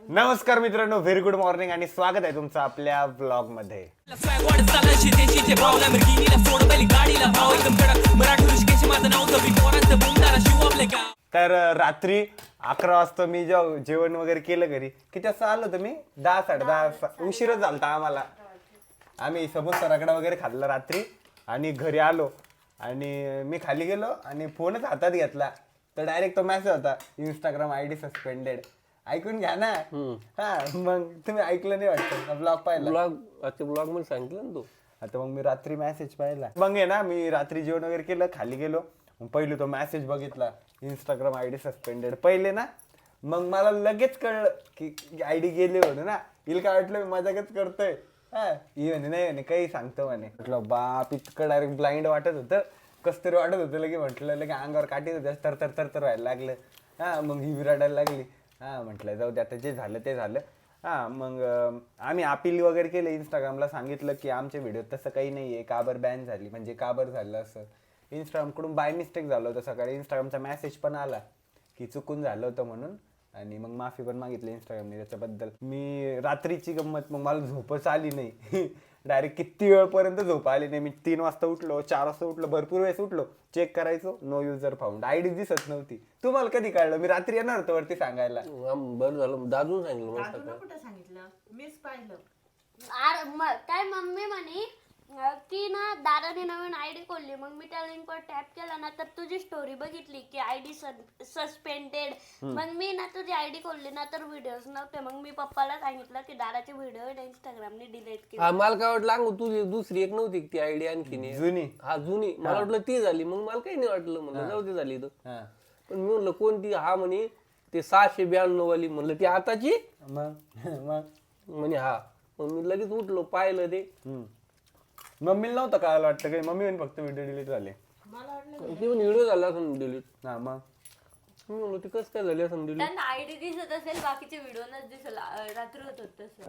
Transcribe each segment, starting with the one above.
नमस्कार मित्रांनो, very good morning आणि स्वागत आहे तुमचं आपल्या ब्लॉग मध्ये. तर रात्री 11 वाजता मी जेवण वगैरे केलं घरी. किती वाजता आलो तुम्ही? 10 10:30 उशीरच झालता आम्हाला. आम्ही समोसा रगडा वगैरे खाल्ला रात्री आणि घरी आलो आणि मी खाली गेलो आणि फोनच हातात घेतला तर डायरेक्ट तो मेसेज होता, इंस्टाग्राम आयडी सस्पेंडेड. ऐकून घ्या ना. हा, मग तुम्ही ऐकलं नाही वाटतं? ब्लॉग पाहिला? ब्लॉग मध्ये सांगितलं ना तू. आता मग मी रात्री मेसेज पाहिला. मग आहे ना, मी रात्री जेवण वगैरे केलं, खाली गेलो, मग पहिले तो मेसेज बघितला, इंस्टाग्राम आयडी सस्पेंडेड. पहिले ना मग मला लगेच कळलं की आयडी गेली म्हणून ना. हिला काय वाटलं मी मजाकच करतोय. हा, ही म्हणे नाही म्हणे काही सांगतो म्हणे. म्हटलं बाप, इतकं डायरेक्ट ब्लाइंड वाटत होतं, कस तरी वाटत होतं. लगे म्हटलं लगे अंगावर काठी होत्या, तर व्हायला लागलं. हा, मग ही रडायला लागली. हा, म्हटलं जाऊ दे आता, जे झालं ते झालं. हा, मग आम्ही अपील वगैरे केलं, इंस्टाग्रामला सांगितलं की आमच्या व्हिडिओ तसं काही नाही आहे, काबर बॅन झाली, म्हणजे काबर झालं असं. इंस्टाग्रामकडून बाय मिस्टेक झालं होतं. सकाळी इंस्टाग्रामचा मेसेज पण आला की चुकून झालं होतं म्हणून, आणि मग माफी पण मागितली इंस्टाग्रामने त्याच्याबद्दल. मी रात्रीची गंमत, मग मला झोपच आली नाही. डायरेक्ट किती वेळपर्यंत झोप आली नाही. मी 3 वाजता उठलो, 4 वाजता उठलो, भरपूर वेळेस उठलो, चेक करायचो, नो युजर फाउंड, आयडी दिसत नव्हती. तुम्हाला कधी कळलं? मी रात्री येणार होतो वरती सांगायला. बरं झालं, दादून सांगितलं. दादूला कुठं सांगितलं? मीच पाहिलं. काय मम्मी म्हणे की ना दादाने नवीन आयडी खोलली. मग मी त्या लिंकवर टॅप केला ना तर तुझी स्टोरी बघितली की आयडी सस्पेंडेड. मग मी ना तुझी आयडी खोलली ना तर व्हिडिओज नव्हते. मग मी पप्पाला सांगितलं की दादाचे व्हिडिओ इंस्टाग्रामने डिलीट केले. मला काय वाटलं अंगू तुझी दुसरी एक नव्हती ती आयडी आणखीन जुनी. हा, जुनी. मला वाटलं ती झाली. मग मला काही नाही वाटलं, म्हणलं जाऊ दे झाली तर. पण मी म्हणलं कोणती? हा म्हणे ते 692 वाली. म्हणलं ती आताची? म्हणे हा. मग मी लगेच उठलो, पाहिलं ते. मम्मीला नव्हतं कळायला वाटतं काही. मम्मी म्हणे फक्त व्हिडिओ डिलीट झाले. मला वाटलं ती पण व्हिडिओ झाला असं डिलीट. हा, मग मी म्हणलो ती कसं काय झाली असं डिलीट. त्यांना आयडी दिसत असेल, बाकीचे व्हिडिओ नच दिसेल. रात्री होत तसं.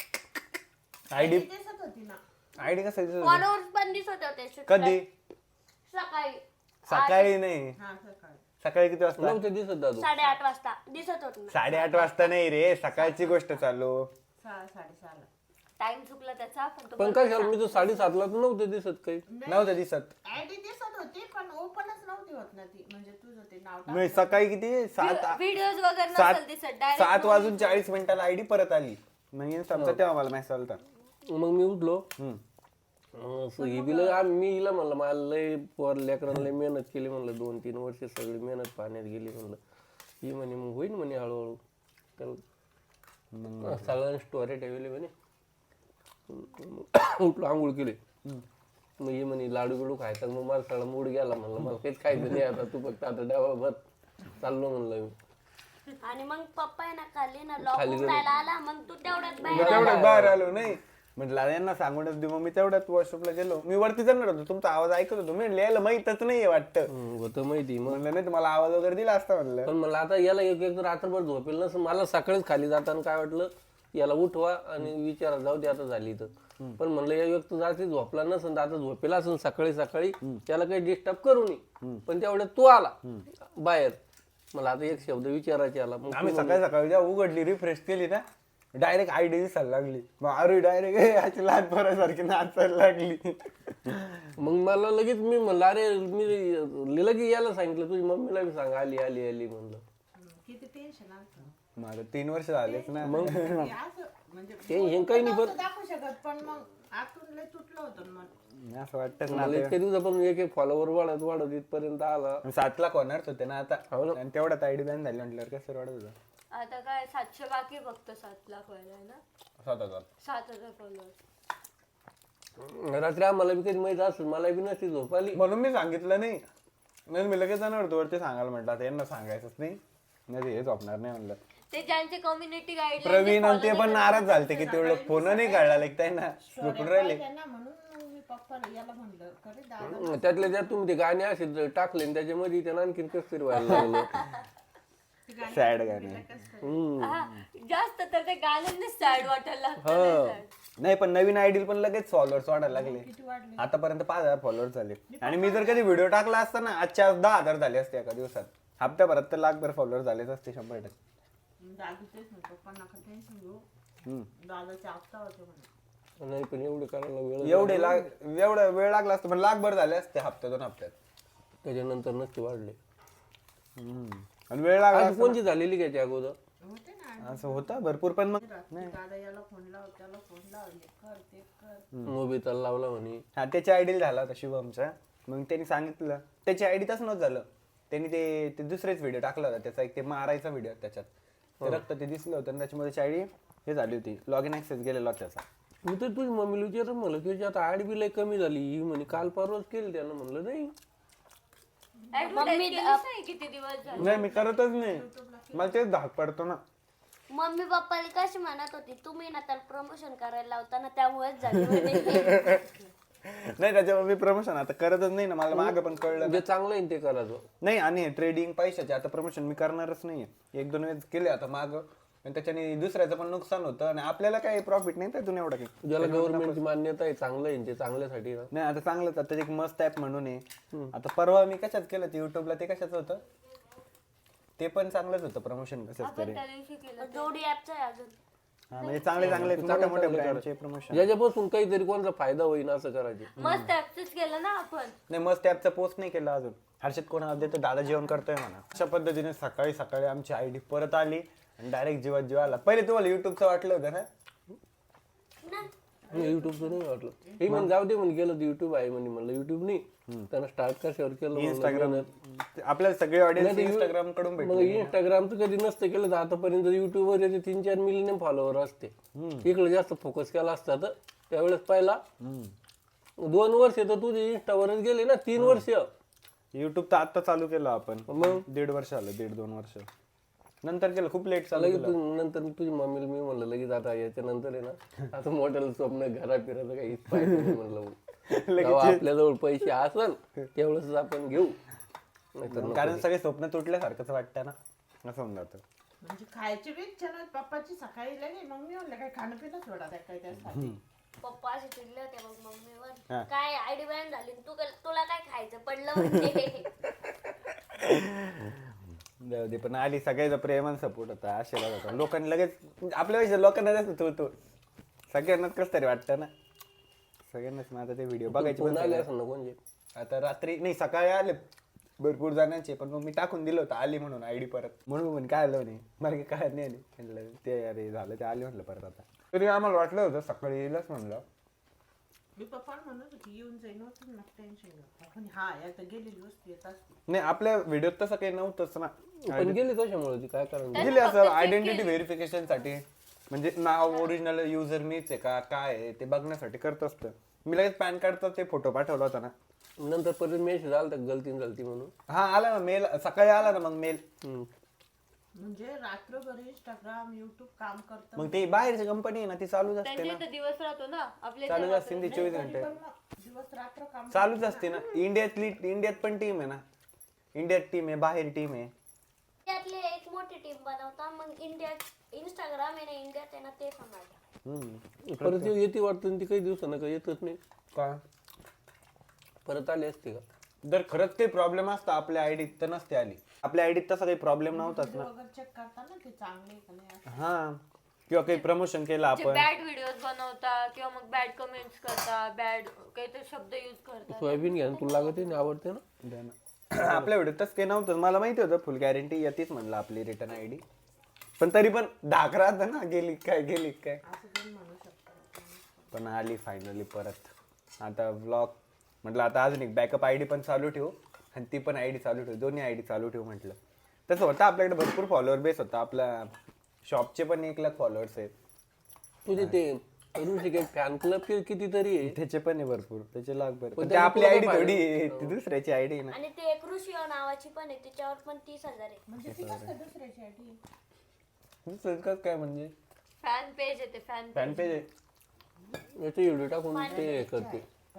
आयडी दिसत होती ना. आयडी कसं दिसत होती? फॉलोअर्स पण दिसत होते. कधी? सकाळी सकाळी नाही. हा, सकाळी. सकाळी किती वाजता? नव्हते दिसत दादू. 8:30 वाजता दिसत होत ना. 8:30 वाजता नाही रे, सकाळची गोष्ट चालू. 6:30 टाइम चुकला त्याचा. पण काय झालं, मी तो 7:30ला तर नव्हते दिसत काही. नव्हतं दिसत. आयडी दिसत होती पण ओपनच नव्हती होत ना ती. म्हणजे तुझं ते नाव नाही, सकाळी किती? 7 व्हिडिओज वगैरे नसेल दिसत. डायरेक्ट 7:40 आयडी परत आली. मग समजा तेव्हा मला मेसेज आलता. मग मी उठलो. मी हिला म्हणलं मला लय पोर लेकरांना लय मेहनत केली म्हणलं, 2-3 वर्ष सगळी मेहनत पाण्यात गेली म्हणलं. ही म्हणे मग होईल म्हणे हळूहळू. त्याला सगळ्यांनी स्टोरी ठेवली म्हणे. उठलो, आंघोळ केली. मग ही म्हणे लाडू बिडू खायचा. मग मला सगळा मूड गेला. म्हणलं मला काहीच खायचं नाही आता, तू फक्त आता डबा चाललो म्हणलं मी. आणि मग पप्पा आहे ना खाली ना लॉक उघडायला आला. मग तू तेवढ्यात बाहेर तेवढ्यात बाहेर आलो. नाही म्हटलं यांना सांगूनच देऊ. मग मी तेवढ्यात वॉशअपला गेलो. मी वरती जाणार होतो, तुमचा आवाज ऐकत होतो. मी लिहायला माहीतच नाहीये वाटतं. होतं माहिती. मग म्हणलं नाही तुम्हाला आवाज वगैरे दिला असता म्हणलं. पण मला आता याला एक रात्रभर झोपेल नसं. मला सकाळीच खाली जाताना काय वाटलं, याला उठवा आणि विचारा जाऊ दे आता झाली तर. पण म्हणलं या व्यक्ती जाते झोपला नसन, आता झोपेला असून सकाळी त्याला काही डिस्टर्ब करू नये. पण तेवढ्यात तू आला बाहेर. मला आता एक शब्द विचारायचे आला. मग आम्ही सकाळी जेव्हा उघडली, रिफ्रेश केली ना, डायरेक्ट आयडी दिसायला लागली. मग अरे डायरेक्ट लहान पोरासारखी नाचायला लागली. मग मला लगेच मी म्हणलं अरे मी लगेच यायला सांगितलं तुझी मम्मीला बी सांग आली आली आली म्हणलं. किती टेन्शन आलं. माझं 3 वर्ष झालेच ना. मग म्हणजे टेन्शन काही नाही. नव्हतं दाखवू शकत पण मग आतून लय तुटलं होतं मन. असं वाटतंच ना. मला इतक्या दिवसापासून एक फॉलोवर वाढत इथपर्यंत आला. 7 लाख होणारच होते ना आता. आणि तेवढ्यात आयडी बॅन झाली म्हटल्यावर कसं वाढत होतं. आता काय 700 बाकी फक्त 7 लाख व्हायला ना. 7,000. 7,000 फॉलोअर्स. रात्री आम्हाला बी कधी माहित असेल, मला बी नसती झोप आली. म्हणून मी सांगितलं नाही. मी लगेच जाणार होतो वरती सांगायला. म्हटलं आता यांना सांगायचंच नाही, हे झोपणार नाही म्हणलं. ते ज्यांचे कम्युनिटी गाईड प्रवीण आणि ते पण नाराज झालते की तेवढं फोन नाही काढला लाईक त्यांना झोपून राहिले. त्यांना म्हणून मग मी पप्पाला याला म्हणलं खरे दादा त्यातल्या त्यात तुम्ही ते गाणे असे टाकले आणि त्याच्यामध्ये त्यांना आणखीन कसं तरी व्हायला लागलं. सॅड गाणे. जास्त तर ते गाण्यांनी सॅड वाटायला लागतं. नाही पण नवीन आयडी पण लगेच फॉलोअर्स वाढायला लागले. आतापर्यंत 5,000 फॉलोअर्स झाले. आणि मी जर कधी व्हिडिओ टाकला असता ना, आजच्या 10,000 झाले असते एका दिवसात. हप्त्याभरात तर 1,00,000 फॉलोअर्स झालेच असते 100%. दादू तेच म्हणतो पण नका टेन्शन घेऊ हम्म. दादाचे हप्ता होते म्हणे. नाही पण एवढे करायला वेळ एवढा वेळ लागला असतो पण लाखभर झाले असते हप्त्या 2 हप्त्यात. त्याच्यानंतर नक्की वाढले. आणि वेळ लागला आज कोणची झालेली काय त्या अगोदर? होते ना असं होतं भरपूर पण मग रात्री दादा याला फोन लाव त्याला फोन लाव हे कर ते कर. नोबिताला लावला म्हणे. हा त्याच्या आयडी झाला होता शुभमचा. मग त्यांनी सांगितलं त्याच्या आयडी तसं नव्हतं झालं. त्यांनी ते दुसरेच व्हिडिओ टाकला होता त्याचा एक ते मारायचा व्हिडिओ त्याच्यात ते रक्त ते दिसलं होतं आणि त्याच्यामध्ये त्याची आयडी हे झाली होती लॉग इन ऍक्सेस गेलेला होता त्याचा. मी तर तुझी मम्मीला विचारलं म्हणलं की याची आता आड बी लय कमी झाली. ही म्हणे काल परवाच केली त्यानं. म्हणलं नाही मम्मी किती दिवस झाले. नाही मी करतच नाही मला तेच धाक पडतो ना. मम्मी पप्पाला कशी म्हणत होती तुम्ही ना त्याला प्रमोशन करायला लावताना त्यामुळेच झाली म्हणे. नाही त्याच्यावर मी प्रमोशन आता करतच नाही ना. मला मागं पण कळलं जे चांगलं आहे ते करायचं. नाही. आणि ट्रेडिंग पैशाचे आता प्रमोशन मी करणारच नाही. 1-2 वेळेस केले आता मागं आणि त्याच्याने दुसऱ्याचं पण नुकसान होतं आणि आपल्याला काही प्रॉफिट नाही त्यातून एवढं काही. ज्याला गव्हर्नमेंटची मान्यता आहे चांगलं आहे ते चांगल्यासाठी ना. नाही आता चांगलंच आता एक मस्त ऍप म्हणून आहे. आता परवा मी कशात केलं ते युट्यूबला ते कशाचं होतं ते पण चांगलंच होतं प्रमोशन कसंच तरी. त्या दिवशी केलं. जोडी ऍपचं आहे अजून. हा म्हणजे चांगले मोठ्या मोठ्या ब्रँडचे प्रमोशन. ज्याच्यापासून काहीतरी कोणाचा फायदा होईल असं करायचे. मस्त ऍक्सेस केलं ना आपण. नाही मस्त ऍपचा पोस्ट नाही केला अजून. हर्षद कोणाला देतो दादा जेवण करतोय म्हणा. अशा पद्धतीने सकाळी सकाळी आमची आयडी परत आली आणि डायरेक्ट जीवात जीव आला. पहिले तुम्हाला युट्यूबचं वाटलं होतं ना. युट्यूबचं नाही वाटलं. हे म्हण जाऊ दे म्हणे गेलं युट्यूब आहे म्हणे. म्हणलं युट्यूब नाही त्यानं स्टार्ट कशावर केलं इंस्टाग्राम आपल्याला सगळे ऑडियन्स इंस्टाग्राम कडून मग भेटले. इंस्टाग्रामचं कधी नसतं केलं तर आतापर्यंत युट्यूबवर याचे 3-4 मिलियन फॉलोअर असते. इकडे जास्त फोकस केला असता तर त्यावेळेस पहिला 2 वर्ष तर तुझे इंस्टावरच गेले ना. 3 वर्ष युट्यूब तर आता चालू केलं आपण. मग 1.5 वर्ष आलं 1.5-2 वर्ष नंतर केलं. खूप लेट चालू लगेच केलं. नंतर तुझी मम्मीला मी म्हणलं लगेच आता याच्या नंतर आहे ना आता मोठ्याला स्वप्न घरा फिरायचं काही पाहिजे नाही म्हणलं. जेव्हा आपल्याजवळ पैसे असल तेवढंच आपण घेऊ. नाहीतर कारण सगळे स्वप्न तुटल्यासारखंच वाटतं ना. असं होऊन जातं. म्हणजे खायची बी इच्छा नव्हती पप्पाची सकाळी लगे मग मी म्हणलं काय खाणं पिणं सोडा त्या काय त्यासाठी. पप्पा असे चिडले होते मग मम्मीवर काय आयडी बॅन झाली तुला काय खायचं पडलं म्हणजे. जाऊ दे पण आली सगळ्याचा प्रेमान सपोर्ट होता आशीर्वाद होता. लोकांनी लगेच आपल्या लोकांना जास्त तो सगळ्यांनाच कसं तरी वाटतं ना. सगळ्यांनाच मग आता ते व्हिडिओ बघायचे पण आले असं ना कोणचे. आता रात्री नाही सकाळी आले भरपूर जणांचे पण मग मी टाकून दिलं होतं आली म्हणून आयडी परत. म्हणून म्हणे काय आलं नाही मला काय नाही आली म्हटलं ते अरे झालं ते आली म्हटलं परत. आता तरी आम्हाला वाटलं होतं सकाळी येईलच म्हणलं. मी पप्पा म्हणत होती येऊन जाईन नका टेन्शन घेऊ. आपण हा एकदा गेलेली वस्तू येत असते. नाही आपल्या व्हिडिओत तसं काही नव्हतंच ना. पण गेली कशामुळे ती काय कारण गेली असं आयडेंटिटी व्हेरिफिकेशन साठी. म्हणजे नाव ओरिजिनल युजर मीच आहे का काय आहे ते बघण्यासाठी करत असतं. मी लगेच पॅन कार्डचा ते फोटो पाठवला होता ना. नंतर परत मेसेज आला तर गलतीन झालती म्हणून. हा आला ना मेल सकाळी आला ना. मग मेल म्हणजे रात्रभर इंस्टाग्राम युट्यूब काम करतं. मग ते बाहेरची कंपनी आहे ना ती चालूच असते त्यांच्या ना. इथं दिवस राहतो ना आपल्या चालूच असते ती 24 घंटे पण मग दिवस रात्र काम चालूच असते ना. इंडियात पण टीम आहे ना. इंडियात टीम आहे बाहेर टीम आहे. त्यातली एक मोठी टीम बनवता मग इंस्टाग्राम आहे ना इंडियात आहे ना ते सांभाळतात. परत येते वाटतं ती काही दिवसानं काही येतच नाही. का परत आली असते का. जर खरंच काही प्रॉब्लेम असता आपल्या आयडीत तर नसते आली. आपल्या आयडीत तसा काही प्रॉब्लेम नव्हताच ना. वगैरे चेक करताना ते चांगले आहे का नाही असं. हा किंवा काही प्रमोशन केलं आपण. बॅड व्हिडिओज बनवता किंवा मग बॅड कमेंट्स करता बॅड काहीतरी शब्द युज करता. सोयाबीन घ्या तुला लागते ना आवडते ना. द्या ना. आपल्या व्हिडिओत तसं काही नव्हतं. मला माहिती होतं फुल गॅरंटी येतेच म्हणलं आपली रिटर्न आयडी. पण तरी पण धाक राहतं ना गेली काय असं पण म्हणू शकतो. पण आली फायनली परत. आता व्लॉग म्हटलं आता अजून एक बॅकअप आयडी पण चालू ठेवू आणि ती पण आयडी चालू ठेवू. दोन्ही आयडी चालू ठेवू म्हटलं. तसं होतं आपल्याकडे भरपूर फॉलोअर बेस होता. आपल्या शॉपचे पण 1 लाख फॉलोअर्स आहेत. तुझे ते ऋषिकेश फॅन क्लब कितीतरी आहे. त्याचे पण आहे भरपूर. त्याचे लाख भर. पण ते आपली आयडी थोडी आहे, ती दुसऱ्याची आयडी ना. आणि ते एक ऋषिओ नावाची पण आहे तिच्यावर पण 30,000 आहे. म्हणजे ती कसं काय दुसऱ्याची आयडी. दुसरं काय म्हणजे फॅन पेज आहे ते फॅन फॅन पेज आहे. याचे व्हिडिओ टाकून ते हे करते.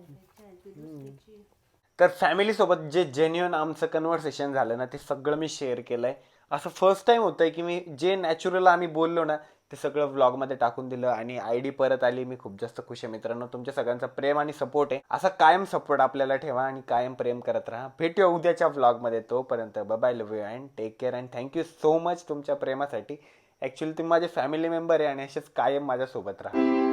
तर फॅमिली सोबत जे जेन्युअन आमचं कन्व्हर्सेशन झालं ना ते सगळं मी शेअर केलंय. असं फर्स्ट टाइम होतंय की मी जे नॅचरल आम्ही बोललो ना ते सगळं व्लॉगमध्ये टाकून दिलं आणि आयडी परत आली. मी खूप जास्त खुश आहे मित्रांनो. तुमच्या सगळ्यांचा प्रेम आणि सपोर्ट आहे. असा कायम सपोर्ट आपल्याला ठेवा आणि कायम प्रेम करत राहा. भेटूया उद्याच्या व्लॉगमध्ये. तोपर्यंत bye bye love you and take care and thank you so much तुमच्या प्रेमासाठी. ऍक्च्युली तुम्ही माझे फॅमिली मेंबर आहे आणि असेच कायम माझ्यासोबत राहा.